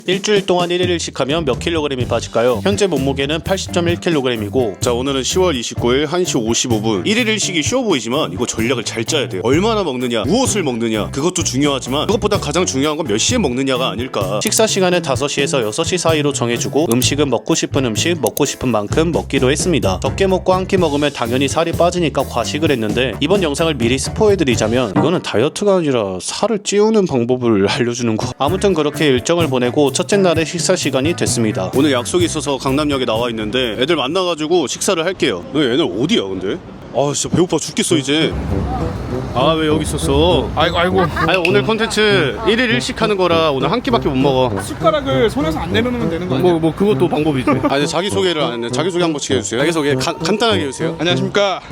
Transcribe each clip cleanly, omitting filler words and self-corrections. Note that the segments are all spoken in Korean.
일주일 동안 1일1식 하면 몇 킬로그램이 빠질까요? 현재 몸무게는 80.1kg이고 자, 오늘은 10월 29일 1시 55분 1일 1식이 쉬워 보이지만 이거 전략을 잘 짜야 돼요. 얼마나 먹느냐, 무엇을 먹느냐, 그것도 중요하지만 그것보다 가장 중요한 건 몇 시에 먹느냐가 아닐까. 식사 시간은 5시에서 6시 사이로 정해주고 음식은 먹고 싶은 음식, 먹고 싶은 만큼 먹기로 했습니다. 적게 먹고 한 끼 먹으면 당연히 살이 빠지니까 과식을 했는데 이번 영상을 미리 스포해드리자면 이거는 다이어트가 아니라 살을 찌우는 방법을 알려주는 거. 아무튼 그렇게 일정을 보내고 첫째 날의 식사 시간이 됐습니다. 오늘 약속이 있어서 강남역에 나와 있는데 애들 만나가지고 식사를 할게요. 얘네 어디야 근데? 아 진짜 배고파 죽겠어 이제. 아 왜 여기 있었어? 아이고. 아니 오늘 콘텐츠 1일 1식 하는 거라 오늘 한 끼밖에 못 먹어. 숟가락을 손에서 안 내려놓으면 되는 거 아니야? 뭐 그것도 방법이지. 아니 자기소개를 안 했네. 자기소개 한 번씩 해주세요. 자기소개 간단하게 해주세요. 안녕하십니까.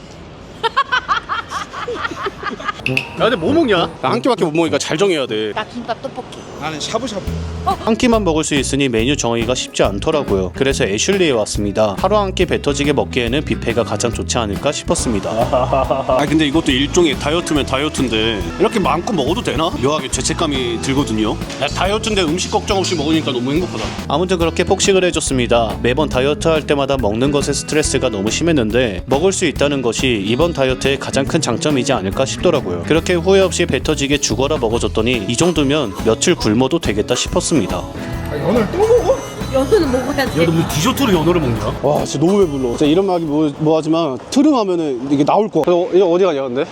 야 근데 뭐 먹냐? 나 한 끼밖에 못 먹으니까 잘 정해야 돼. 나 김밥 떡볶이. 나는 샤브샤브. 한 끼만 먹을 수 있으니 메뉴 정하기가 쉽지 않더라고요. 그래서 애슐리에 왔습니다. 하루 한 끼 배 터지게 먹기에는 뷔페가 가장 좋지 않을까 싶었습니다. 아 근데 이것도 일종의 다이어트면 다이어트인데 이렇게 마음껏 먹어도 되나? 묘하게 죄책감이 들거든요. 야, 다이어트인데 음식 걱정 없이 먹으니까 너무 행복하다. 아무튼 그렇게 폭식을 해줬습니다. 매번 다이어트 할 때마다 먹는 것에 스트레스가 너무 심했는데 먹을 수 있다는 것이 이번 다이어트의 가장 큰 장점이지 않을까 싶더라고요. 그렇게 후회 없이 배 터지게 죽어라 먹어줬더니 이 정도면 며칠 굶어도 되겠다 싶었습니다. 아, 연어를 또 먹어? 연어는 먹어야지. 야 너 뭐 디저트로 연어를 먹냐? 와 진짜 너무 배불러. 진짜 이런 말이 뭐하지만 트름하면은 이게 나올 거야. 이거 어디 가냐 근데?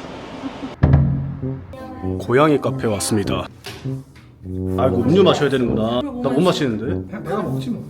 고양이 카페 왔습니다. 아이고 음료 마셔야 되는구나. 나 못 마시는데. 그냥 내가 먹지 뭐.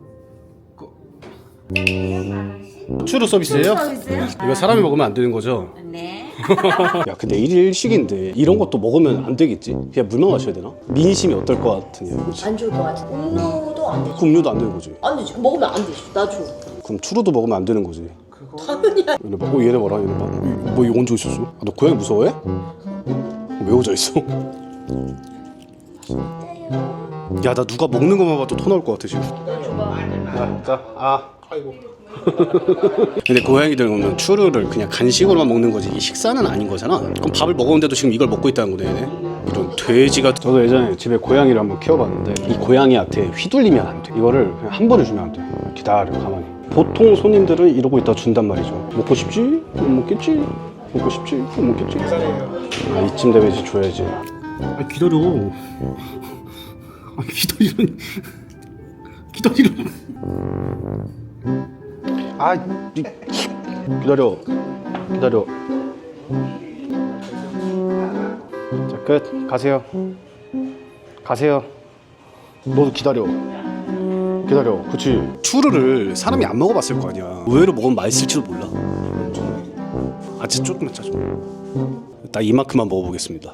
추루 서비스예요? 서비스요? 이거 사람이 먹으면 안 되는 거죠? 네. 야 근데 1일 1식인데 이런 것도 먹으면 안 되겠지? 그냥 물만 마셔야 되나? 민심이 어떨 것 같으냐 그치? 안 좋을 것 같아. 음료도 안 되지. 음료도 안 되는 거지. 안 되지. 먹으면 안 되지. 나 줘. 그럼 추루도 먹으면 안 되는 거지. 당연히 안 얘네 봐. 얘네 봐라 얘네 봐. 뭐 이거 얹어 있었어? 아, 너 고양이 무서워해? 왜 얹어 있어? 야 나 누가 먹는 것만 봐도 토 나올 것 같아 지금. 아이고. 근데 고양이들 보면 추루를 그냥 간식으로만 먹는 거지 이 식사는 아닌 거잖아. 그럼 밥을 먹었는데도 지금 이걸 먹고 있다는 거네 얘네. 이런 돼지가. 저도 예전에 집에 고양이를 한번 키워봤는데 이 고양이한테 휘둘리면 안 돼. 이거를 그냥 한 번에 주면 안 돼. 기다려 가만히. 보통 손님들은 이러고 있다 준단 말이죠. 먹고 싶지? 못 먹겠지? 먹고 싶지? 못 먹겠지? 아, 이쯤 되면 이제 줘야지. 아 기다려. 아 기다리라니. 기다리라. 아, 기다려. 자, 끝. 가세요. 너도 기다려. 그치. 추루를 사람이 안 먹어봤을 거 아니야. 의외로 먹으면 맛있을지도 몰라. 아 진짜 조금만 짜줘. 나 이만큼만 먹어보겠습니다.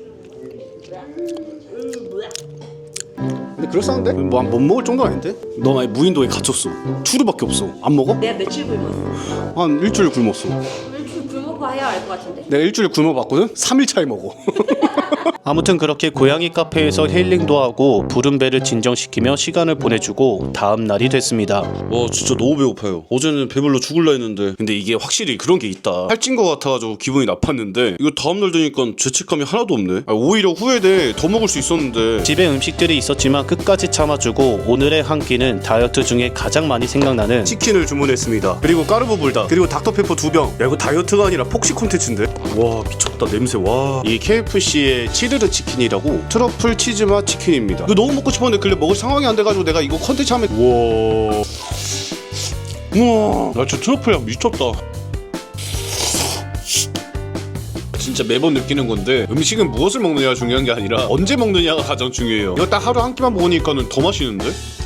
근데 그럴싸한데? 뭐 못 먹을 정도는 아닌데? 너 만약 무인도에 갇혔어. 추루밖에 없어. 안 먹어? 내가 며칠 굶었어. 한 일주일 굶었어. 며칠 굶어고 해야 알 것 같은데. 내가 일주일 굶어봤거든? 3일 차에 먹어. 아무튼 그렇게 고양이 카페에서 힐링도 하고 부른 배를 진정시키며 시간을 보내주고 다음 날이 됐습니다. 와 진짜 너무 배고파요. 어제는 배불러 죽을라 했는데 근데 이게 확실히 그런 게 있다. 살찐 거 같아가지고 기분이 나빴는데 이거 다음날 되니까 죄책감이 하나도 없네. 오히려 후회돼. 더 먹을 수 있었는데. 집에 음식들이 있었지만 끝까지 참아주고 오늘의 한 끼는 다이어트 중에 가장 많이 생각나는 치킨을 주문했습니다. 그리고 까르보 불닭, 그리고 닥터페퍼 2병. 야 이거 다이어트가 아니라 폭식 콘텐츠인데? 와 미쳤다 냄새. 와 이 KFC의 치르르 치킨이라고 트러플 치즈맛 치킨입니다. 이거 너무 먹고 싶었는데 근데 먹을 상황이 안 돼가지고 내가 이거 컨텐츠 하면 우와 나 진짜 트러플 향 미쳤다. 진짜 매번 느끼는 건데 음식은 무엇을 먹느냐가 중요한 게 아니라 언제 먹느냐가 가장 중요해요. 이거 딱 하루 한 끼만 먹으니까는 더 맛있는데?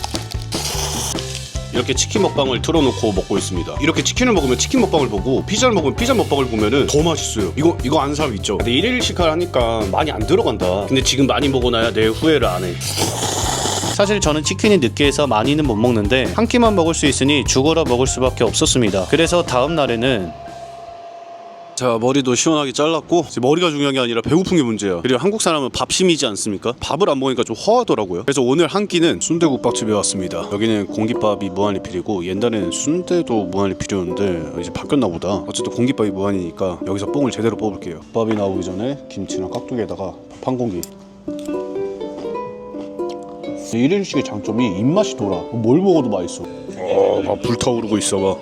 이렇게 치킨 먹방을 틀어놓고 먹고 있습니다. 이렇게 치킨을 먹으면 치킨 먹방을 보고 피자를 먹으면 피자 먹방을 보면은 더 맛있어요. 이거 아는 사람 있죠? 근데 1일1식 하니까 많이 안 들어간다. 근데 지금 많이 먹어놔야 내일 후회를 안 해. 사실 저는 치킨이 느끼해서 많이는 못 먹는데 한 끼만 먹을 수 있으니 죽어라 먹을 수밖에 없었습니다. 그래서 다음 날에는 자 머리도 시원하게 잘랐고 이제 머리가 중요한 게 아니라 배고픈 게 문제야. 그리고 한국 사람은 밥심이지 않습니까? 밥을 안 먹으니까 좀 허하더라고요. 그래서 오늘 한 끼는 순대국밥집에 왔습니다. 여기는 공깃밥이 무한리필이고 옛날에는 순대도 무한리필이었는데 이제 바뀌었나 보다. 어쨌든 공깃밥이 무한이니까 여기서 뽕을 제대로 뽑을게요. 밥이 나오기 전에 김치랑 깍두기에다가 밥 한 공기. 1인식의 장점이 입맛이 돌아. 뭘 먹어도 맛있어. 막 불타오르고 있어 봐.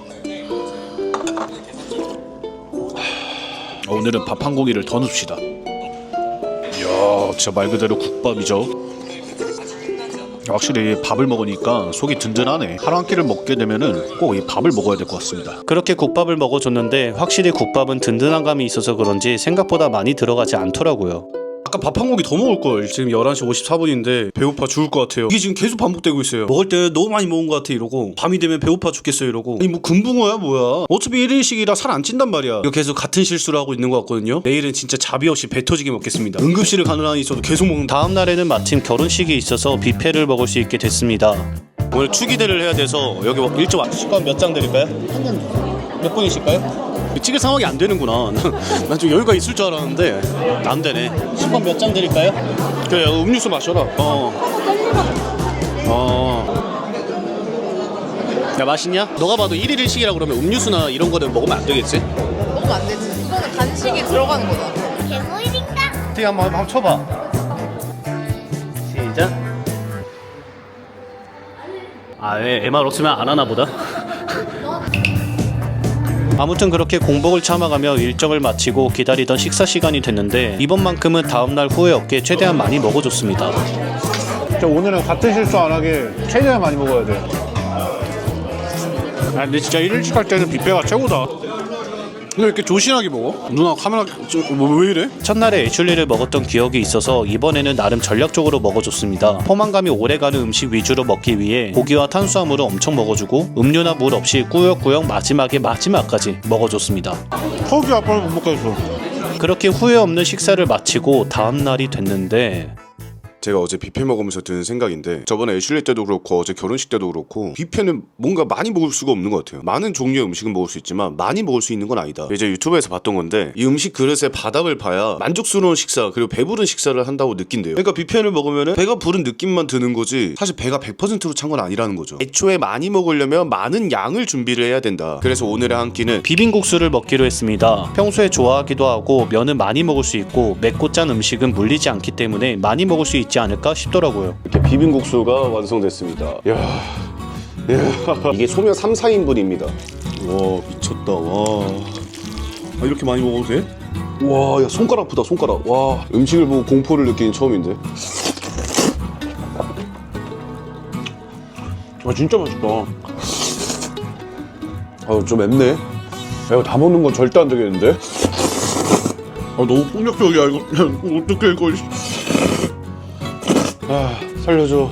오늘은 밥 한 공기를 더 넣읍시다. 이야, 진짜 말 그대로 국밥이죠. 확실히 밥을 먹으니까 속이 든든하네. 하루 한 끼를 먹게 되면은 꼭 이 밥을 먹어야 될 것 같습니다. 그렇게 국밥을 먹어줬는데 확실히 국밥은 든든한 감이 있어서 그런지 생각보다 많이 들어가지 않더라고요. 아까 밥 한 공기 더 먹을 걸. 지금 11시 54분인데 배고파 죽을 것 같아요. 이게 지금 계속 반복되고 있어요. 먹을 때 너무 많이 먹은 것 같아 이러고, 밤이 되면 배고파 죽겠어 이러고. 아니 뭐 금붕어야 뭐야. 어차피 1인식이라 살 안 찐단 말이야. 이거 계속 같은 실수를 하고 있는 것 같거든요. 내일은 진짜 자비 없이 배 터지게 먹겠습니다. 응급실을 가는 한이 있어도 계속 먹는. 다음 날에는 마침 결혼식이 있어서 뷔페를 먹을 수 있게 됐습니다. 오늘 추기대를 해야 돼서 여기 일찍 와주실까요? 몇 장 드릴까요? 한 장. 몇 분이실까요? 찍을 상황이 안 되는구나. 난 좀 여유가 있을 줄 알았는데 안 되네. 10번 몇 장 드릴까요? 그래, 음료수 마셔라. 야, 맛있냐? 너가 봐도 1일 1식이라 그러면 음료수나 이런 거는 먹으면 안 되겠지? 먹으면 안 되지. 이거는 간식이 들어가는 거잖아. 어떻게 한번 쳐봐. 시작. MR 없으면 안 하나 보다. 아무튼 그렇게 공복을 참아가며 일정을 마치고 기다리던 식사 시간이 됐는데 이번만큼은 다음날 후회 없게 최대한 많이 먹어줬습니다. 오늘은 같은 실수 안 하게 최대한 많이 먹어야 돼. 근데 진짜 1일씩 할 때는 뷔페가 최고다. 근데 왜 이렇게 조신하게 먹어? 누나 카메라 왜 이래? 첫날에 애슐리를 먹었던 기억이 있어서 이번에는 나름 전략적으로 먹어줬습니다. 포만감이 오래가는 음식 위주로 먹기 위해 고기와 탄수화물을 엄청 먹어주고 음료나 물 없이 꾸역꾸역 마지막까지 먹어줬습니다. 턱이 아파서 못 먹겠어. 그렇게 후회 없는 식사를 마치고 다음날이 됐는데 제가 어제 뷔페 먹으면서 드는 생각인데, 저번에 애슐리 때도 그렇고 어제 결혼식 때도 그렇고 뷔페는 뭔가 많이 먹을 수가 없는 것 같아요. 많은 종류의 음식은 먹을 수 있지만 많이 먹을 수 있는 건 아니다. 이제 유튜브에서 봤던 건데, 이 음식 그릇의 바닥을 봐야 만족스러운 식사 그리고 배부른 식사를 한다고 느낀대요. 그러니까 뷔페를 먹으면 배가 부른 느낌만 드는 거지 사실 배가 100%로 찬 건 아니라는 거죠. 애초에 많이 먹으려면 많은 양을 준비를 해야 된다. 그래서 오늘의 한 끼는 비빔국수를 먹기로 했습니다. 평소에 좋아하기도 하고 면은 많이 먹을 수 있고 맵고 짠 음식은 물리지 않기 때문에 많이 먹을 수 있지 않을까 싶더라고요. 이렇게 비빔국수가 완성됐습니다. 이게 소면 3, 4인분입니다. 와, 미쳤다. 와. 이렇게 많이 먹어도 돼? 와, 야, 손가락 아프다, 손가락. 와, 음식을 보고 공포를 느끼는 처음인데. 진짜 맛있다. 좀 맵네. 야, 이거 다 먹는 건 절대 안 되겠는데? 너무 폭력적이야 이거. 어떡해 이거. 살려줘.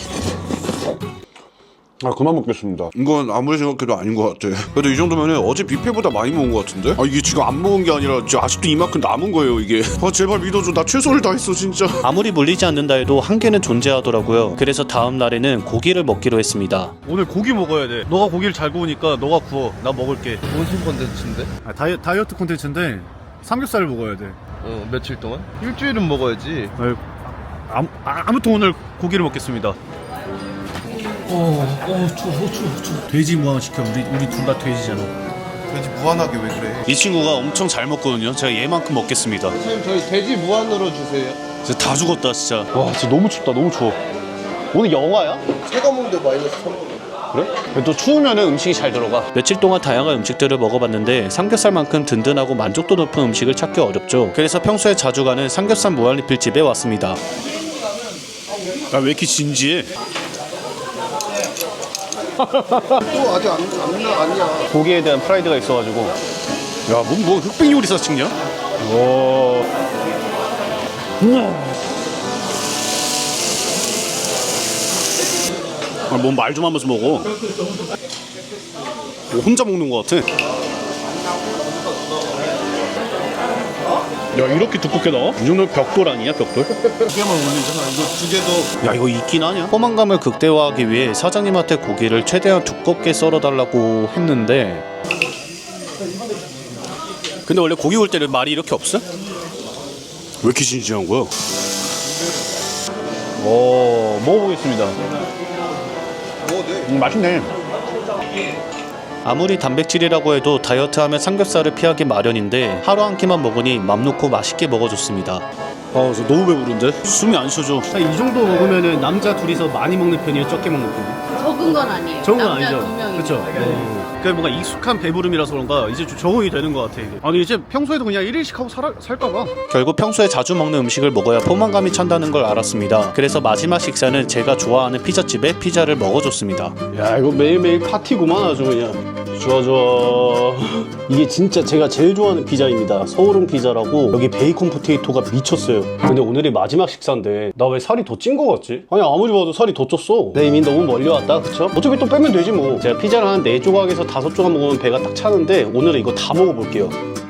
그만 먹겠습니다. 이건 아무리 생각해도 아닌 것 같아. 그래도 이 정도면 어제 뷔페보다 많이 먹은 것 같은데? 이게 지금 안 먹은 게 아니라 지금 아직도 이만큼 남은 거예요 이게. 제발 믿어줘. 나 최선을 다했어 진짜. 아무리 물리지 않는다 해도 한계는 존재하더라고요. 그래서 다음 날에는 고기를 먹기로 했습니다. 오늘 고기 먹어야 돼. 너가 고기를 잘 구우니까 너가 구워. 나 먹을게. 무슨 컨텐츠인데? 다이어트 콘텐츠인데 삼겹살을 먹어야 돼. 며칠 동안? 일주일은 먹어야지. 아무튼 오늘 고기를 먹겠습니다. 추워. 돼지 무한 시켜. 우리 둘 다 돼지잖아. 돼지 무한하게 왜 그래? 이 친구가 엄청 잘 먹거든요. 제가 얘만큼 먹겠습니다. 선생님 저희 돼지 무한으로 주세요. 진짜 다 죽었다 진짜. 와, 진짜 너무 춥다. 너무 추워. 오늘 영하야? 체감온도 마이너스 3도. 그래? 또 추우면은 음식이 잘 들어가. 며칠 동안 다양한 음식들을 먹어봤는데 삼겹살만큼 든든하고 만족도 높은 음식을 찾기 어렵죠. 그래서 평소에 자주 가는 삼겹살 무한리필집에 왔습니다. 왜 이렇게 진지해? 또 아직 아니야. 고기에 대한 프라이드가 있어가지고. 야, 뭐 흑백 요리사 찍냐? 뭔 말 좀 하면서 먹어. 혼자 먹는 것 같아. 야, 이렇게 두껍게 나와? 이 정도면 벽돌 아니야, 벽돌? 개만 올리잖아. 이거 두 개도. 야, 이거 있긴 하냐? 포만감을 극대화하기 위해 사장님한테 고기를 최대한 두껍게 썰어달라고 했는데 근데 원래 고기 올 때는 말이 이렇게 없어? 왜 이렇게 진지한 거야? 먹어보겠습니다. 맛있네. 아무리 단백질이라고 해도 다이어트하면 삼겹살을 피하기 마련인데 하루 한 끼만 먹으니 맘 놓고 맛있게 먹어줬습니다. 아, 저 너무 배부른데? 숨이 안 쉬어져. 이 정도 먹으면은 남자 둘이서 많이 먹는 편이에요? 적게 먹는 편이에요? 적은 건 아니에요. 적은 건 남자 아니죠? 2명이. 그쵸? 그게 뭔가 익숙한 배부름이라서 그런가 이제 좀 적응이 되는 것 같아 이게. 아니 이제 평소에도 그냥 1일씩 하고 살까봐. 결국 평소에 자주 먹는 음식을 먹어야 포만감이 찬다는 걸 알았습니다. 그래서 마지막 식사는 제가 좋아하는 피자집에 피자를 먹어줬습니다. 야, 이거 매일매일 파티구만 아주 그냥. 좋아 좋아. 이게 진짜 제가 제일 좋아하는 피자입니다. 서울은 피자라고. 여기 베이컨 포테이토가 미쳤어요. 근데 오늘이 마지막 식사인데 나 왜 살이 더 찐 거 같지? 아니 아무리 봐도 살이 더 쪘어. 내 이미 너무 멀리 왔다, 그쵸? 어차피 또 빼면 되지 뭐. 제가 피자를 한 4조각에서 5조각 먹으면 배가 딱 차는데 오늘은 이거 다 먹어볼게요.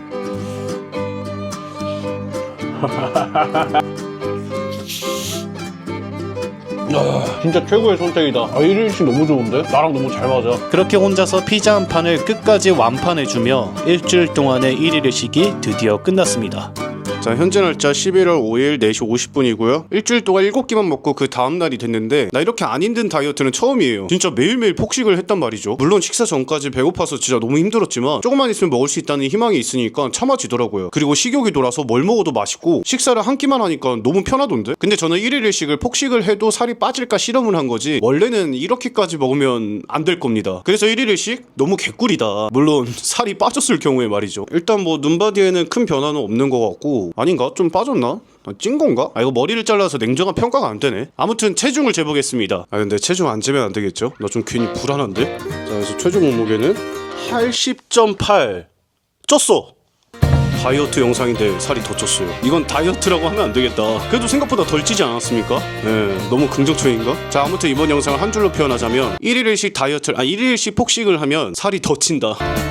진짜 최고의 선택이다. 1일씩 너무 좋은데? 나랑 너무 잘 맞아. 그렇게 혼자서 피자 한 판을 끝까지 완판해주며 일주일 동안의 1일의식이 드디어 끝났습니다. 자, 현재 날짜 11월 5일 4시 50분이고요. 일주일 동안 7끼만 먹고 그 다음날이 됐는데 나 이렇게 안 힘든 다이어트는 처음이에요. 진짜 매일매일 폭식을 했단 말이죠. 물론 식사 전까지 배고파서 진짜 너무 힘들었지만 조금만 있으면 먹을 수 있다는 희망이 있으니까 참아지더라고요. 그리고 식욕이 돌아서 뭘 먹어도 맛있고 식사를 한 끼만 하니까 너무 편하던데? 근데 저는 1일일식을 폭식을 해도 살이 빠질까 실험을 한 거지 원래는 이렇게까지 먹으면 안 될 겁니다. 그래서 1일일식 너무 개꿀이다. 물론 살이 빠졌을 경우에 말이죠. 일단 뭐 눈바디에는 큰 변화는 없는 것 같고 아닌가? 좀 빠졌나? 찐 건가? 이거 머리를 잘라서 냉정한 평가가 안 되네. 아무튼 체중을 재보겠습니다. 근데 체중 안 재면 안 되겠죠? 나 좀 괜히 불안한데? 자, 그래서 최종 몸무게는 80.8 쪘어. 다이어트 영상인데 살이 더 쪘어요. 이건 다이어트라고 하면 안 되겠다. 그래도 생각보다 덜 찌지 않았습니까? 네, 너무 긍정적인가? 자, 아무튼 이번 영상을 한 줄로 표현하자면 1일일식 다이어트를 1일일식 폭식을 하면 살이 더 찐다.